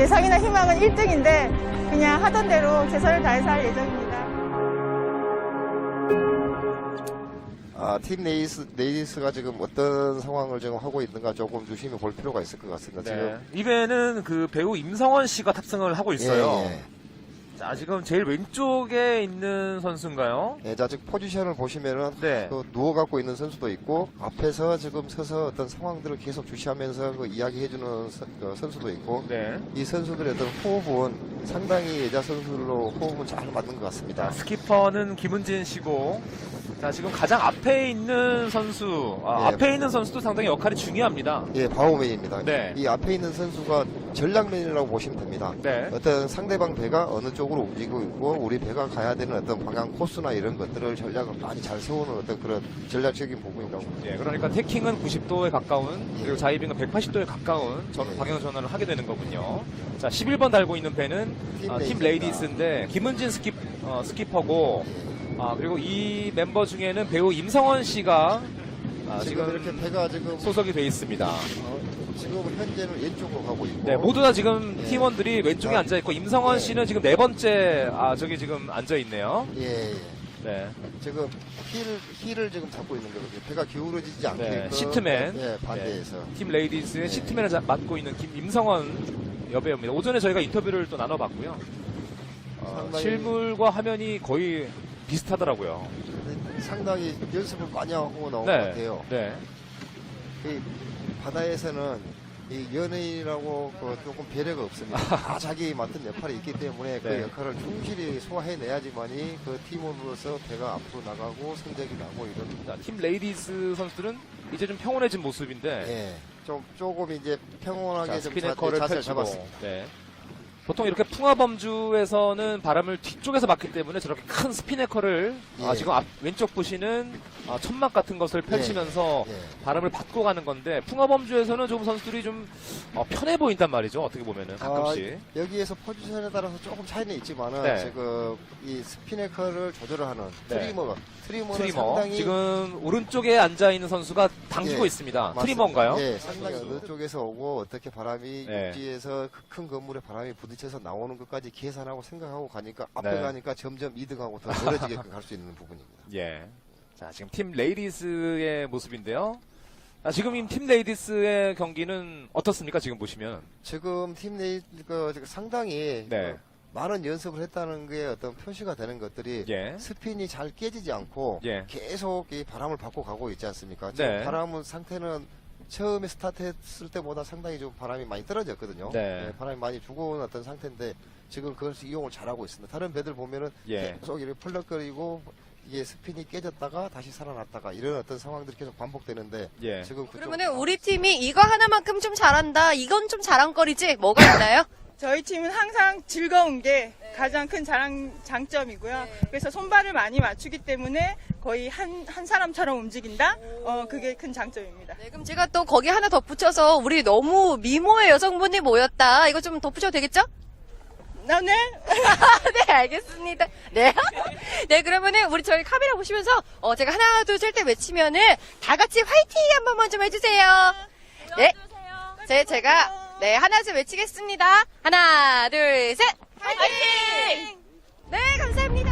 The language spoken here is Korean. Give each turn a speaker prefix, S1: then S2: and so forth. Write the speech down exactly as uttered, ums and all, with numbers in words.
S1: 예상이나 희망은 일 등인데 그냥 하던 대로 최선을 다해서 할 예정입니다.
S2: 아, 팀 레이스, 레이스가 지금 어떤 상황을 지금 하고 있는가 조금 유심히 볼 필요가 있을 것 같습니다.
S3: 네.
S2: 지금.
S3: 이번에는 그 배우 임성원 씨가 탑승을 하고 있어요.
S2: 예, 예.
S3: 자, 지금 제일 왼쪽에 있는 선수인가요?
S2: 예, 자, 지금 포지션을 보시면은
S3: 네.
S2: 그 누워갖고 있는 선수도 있고 앞에서 지금 서서 어떤 상황들을 계속 주시하면서 그 이야기해주는 선, 그 선수도 있고
S3: 네.
S2: 이 선수들의 어떤 호흡은 상당히 여자 선수들로 호흡은 잘 맞는 것 같습니다.
S3: 자, 스키퍼는 김은진 씨고, 자, 지금 가장 앞에 있는 선수, 아,
S2: 네.
S3: 앞에 있는 선수도 상당히 역할이 중요합니다.
S2: 예, 바우맨입니다.
S3: 네.
S2: 이 앞에 있는 선수가 전략맨이라고 보시면 됩니다.
S3: 네.
S2: 어떤 상대방 배가 어느 쪽으로 움직이고 있고 우리 배가 가야 되는 어떤 방향 코스나 이런 것들을 전략을 많이 잘 세우는 어떤 그런 전략적인 부분이라고 봅니다.
S3: 예, 그러니까 태킹은 구십 도에 가까운, 그리고 자이빙은 백팔십 도에 가까운 전,
S2: 예.
S3: 방향 전환을 하게 되는 거군요. 자, 십일 번 달고 있는 배는
S2: 팀
S3: 아, 팀
S2: 레이디스입니다.
S3: 레이디스인데, 김은진 스키, 어, 스키퍼고, 아, 그리고 이 멤버 중에는 배우 임성원 씨가 아,
S2: 지금,
S3: 지금
S2: 이렇게 배가 지금
S3: 소속이 돼 있습니다.
S2: 어, 지금 현재는 왼쪽으로 가고 있고
S3: 네, 모두 다 지금
S2: 예.
S3: 팀원들이 왼쪽에
S2: 아,
S3: 앉아 있고, 임성원
S2: 예.
S3: 씨는 지금 네 번째, 아, 저기 지금 앉아 있네요.
S2: 예, 예.
S3: 네.
S2: 지금 힐을 힐을 지금 잡고 있는 거거든요. 배가 기울어지지 않게
S3: 네, 시트맨.
S2: 예, 반대에서
S3: 팀 레이디스의
S2: 네.
S3: 시트맨을 자- 맡고 있는 김 임성원 여배우입니다. 오전에 저희가 인터뷰를 또 나눠봤고요. 어,
S2: 상당히-
S3: 실물과 화면이 거의 비슷하더라고요.
S2: 상당히 연습을 많이 하고 나온 것
S3: 네.
S2: 같아요.
S3: 네.
S2: 이 바다에서는 이 연예인이라고 그 조금 배려가 없습니다. 다 자기 맡은 역할이 있기 때문에 그
S3: 네.
S2: 역할을 충실히 소화해내야지만이 그 팀원으로서 배가 앞으로 나가고 성적이 나고 이런.
S3: 자, 팀 레이디스 선수들은 이제 좀 평온해진 모습인데,
S2: 예, 좀 조금 이제 평온하게
S3: 자,
S2: 좀
S3: 스피네커를
S2: 자, 자세를
S3: 펼치고,
S2: 잡았습니다.
S3: 네. 보통 이렇게 풍화범주에서는 바람을 뒤쪽에서 맞기 때문에 저렇게 큰 스피네커를 아,
S2: 예.
S3: 지금 앞, 왼쪽 보시는 아, 천막 같은 것을 펼치면서
S2: 예.
S3: 바람을 받고 가는 건데, 풍화범주에서는 좀 선수들이 좀 어, 편해 보인단 말이죠. 어떻게 보면은 가끔씩.
S2: 아, 여기에서 포지션에 따라서 조금 차이는 있지만은
S3: 네.
S2: 지금 이 스피네커를 조절을 하는
S3: 네.
S2: 트리머, 트리머는
S3: 트리머.
S2: 상당히
S3: 지금 오른쪽에 앉아 있는 선수가 당기고
S2: 예,
S3: 있습니다.
S2: 맞습니다.
S3: 트리머인가요?
S2: 예, 상당히 어느 쪽에서 오고 어떻게 바람이
S3: 네.
S2: 육지에서 그 큰 건물에 바람이 부딪혀서 나오는 것까지 계산하고 생각하고 가니까 앞에
S3: 네.
S2: 가니까 점점 이득하고 더 멀어지게끔 갈 수 있는 부분입니다.
S3: 예. 자, 지금 팀 레이디스의 모습인데요. 아, 지금 이 팀 레이디스의 경기는 어떻습니까? 지금 보시면.
S2: 지금 팀 내이 그 지금 상당히
S3: 네.
S2: 그 많은 연습을 했다는 게 어떤 표시가 되는 것들이
S3: 예.
S2: 스핀이 잘 깨지지 않고
S3: 예.
S2: 계속 이 바람을 받고 가고 있지 않습니까? 지금
S3: 네.
S2: 바람은 상태는 처음에 스타트했을 때보다 상당히 좀 바람이 많이 떨어졌거든요.
S3: 네.
S2: 네, 바람이 많이 죽어온 어떤 상태인데 지금 그것을 이용을 잘하고 있습니다. 다른 배들 보면은
S3: 예.
S2: 계속 이렇게 펄럭거리고 이게 스핀이 깨졌다가 다시 살아났다가 이런 어떤 상황들이 계속 반복되는데
S3: 예.
S2: 지금 그쪽
S4: 그러면은 우리 팀이 이거 하나만큼 좀 잘한다. 이건 좀 자랑거리지. 뭐가 있나요?
S1: 저희 팀은 항상 즐거운 게 가장 큰 자랑, 장점이고요. 그래서 손발을 많이 맞추기 때문에 거의 한, 한 사람처럼 움직인다? 어, 그게 큰 장점입니다.
S4: 네, 그럼 제가 또 거기 하나 덧붙여서 우리 너무 미모의 여성분이 모였다. 이거 좀 덧붙여도 되겠죠?
S1: 나 네?
S4: 네, 알겠습니다. 네. 네, 그러면은 우리 저희 카메라 보시면서 어, 제가 하나, 둘, 셋 때 외치면은 다 같이 화이팅 한 번만 좀 해주세요. 네. 제, 제가 네, 하나, 둘 외치겠습니다. 하나, 둘, 셋. 화이팅! 네, 감사합니다.